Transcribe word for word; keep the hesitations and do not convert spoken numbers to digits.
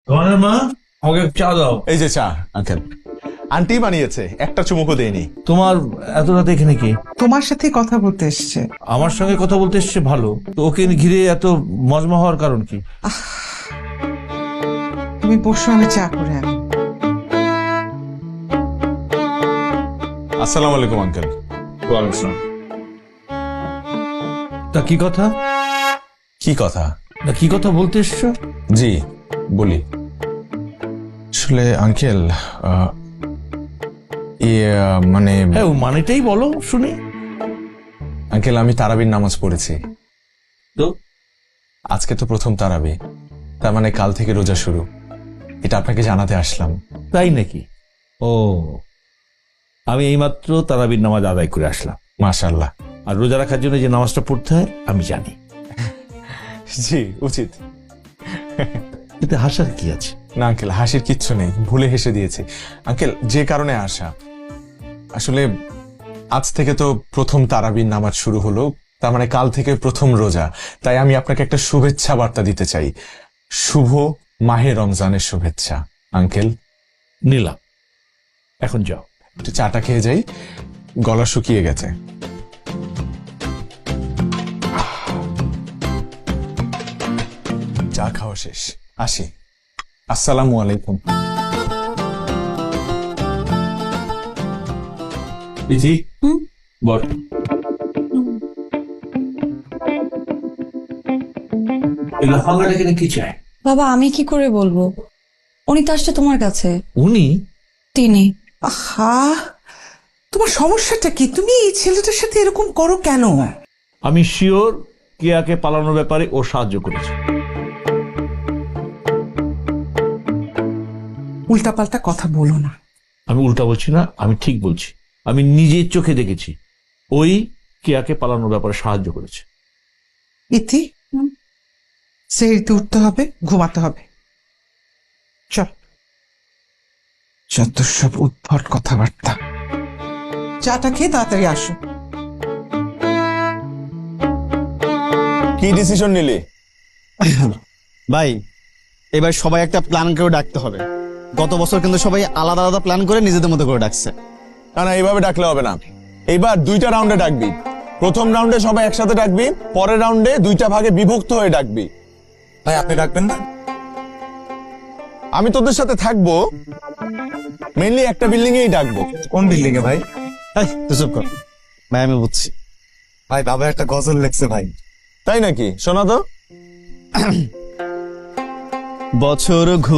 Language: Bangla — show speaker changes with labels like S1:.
S1: তোমার মা আমাকে চা দাও।
S2: এই যে চা আঙ্কেল, আন্টি বানিয়েছে, একটা চুমুকও দেয়নি।
S1: তোমার এত রাতে এখানে কি?
S3: তোমার সাথে কথা বলতে এসছে।
S1: আমার সঙ্গে কথা বলতে এসছে ভালো, তো ওকে ঘিরে এত মজমা হওয়ার কারণ কি?
S3: তুমি বসো, আমি চা করে আনি।
S2: আসসালামু আলাইকুম আঙ্কেল।
S1: তা কি কথা?
S2: কি কথা?
S1: না কি কথা বলতে এসছো?
S2: জি বলি। আসলে আঙ্কেল ইয়ে মানে
S1: হ্যাঁ, ও মানেটাই বলো শুনি।
S2: আঙ্কেল আমি তারাবির নামাজ পড়েছি।
S1: তো
S2: আজকে তো প্রথম তারাবি, তার মানে কাল থেকে রোজা শুরু। এটা আপনাকে জানাতে আসলাম।
S1: তাই নাকি? ও, আমি এইমাত্র তারাবির নামাজ আদায় করে আসলাম।
S2: মাশাআল্লাহ।
S1: আর রোজা রাখার জন্য যে নামাজটা পড়তে হয় আমি জানি।
S2: জি উচিত।
S1: এতে হাসার কি আছে?
S2: না আঙ্কেল, হাসির কিচ্ছু নেই, ভুলে হেসে দিয়েছি। আঙ্কেল যে কারণে আসা, আসলে আজ থেকে তো প্রথম তারাবির নামাজ শুরু হলো, তার মানে কাল থেকে প্রথম রোজা। তাই আমি আপনাকে একটা শুভেচ্ছা বার্তা দিতে চাই। শুভ মাহে রমজানের শুভেচ্ছা আঙ্কেল।
S1: নিলাম, এখন যাও।
S2: একটু চাটা খেয়ে যাই, গলা শুকিয়ে গেছে। চা খাওয়া শেষ, আসি। আসসালামু আলাইকুম।
S1: দিদি বল। কি চাই?
S4: বাবা আমি কি করে বলবো? উনি তো আসছে তোমার কাছে।
S1: উনি?
S4: তিনি।
S3: আহা, তোমার সমস্যাটা কি? তুমি এই ছেলেটার সাথে এরকম করো কেন?
S1: আমি শিওর কেয়াকে পালানোর ব্যাপারে ও সাহায্য করেছে।
S3: উল্টাপাল্টা কথা বলো না।
S1: আমি উল্টা বলছি না, আমি ঠিক বলছি। আমি নিজের চোখে দেখেছি ওই কেয়াকে পালানোর ব্যাপারে সাহায্য করেছে।
S3: ইতি, সেরিতে উঠতে হবে, ঘুমাতে হবে। চল। যত সব উদ্ভট কথাবার্তা। চাটা খেয়ে তাড়াতাড়ি আসো।
S2: কি ডিসিশন নিলি?
S5: ভাই এবার সবাই একটা প্ল্যান করে ডাকতে হবে। গত বছর কিন্তু সবাই আলাদা আলাদা প্ল্যান করে নিজেদের মতো করে ডাকছে।
S2: না না, এইভাবে ডাকলে হবে না। এইবার দুইটা রাউন্ডে ডাকবি। প্রথম রাউন্ডে সবাই একসাথে ডাকবি, পরের রাউন্ডে দুইটা ভাগে বিভক্ত হয়ে ডাকবি।
S6: ভাই আপনি ডাকবেন না?
S2: আমি তোদের সাথে থাকবো, মেইনলি একটা বিল্ডিং এই ডাকবো।
S6: কোন বিল্ডিং এ ভাই?
S5: এই, তুই চুপ কর ভাই, আমি বুঝছি।
S6: ভাই বাবা একটা গজল লেখছে ভাই।
S2: তাই নাকি? শোনা তো।
S5: বছর ঘু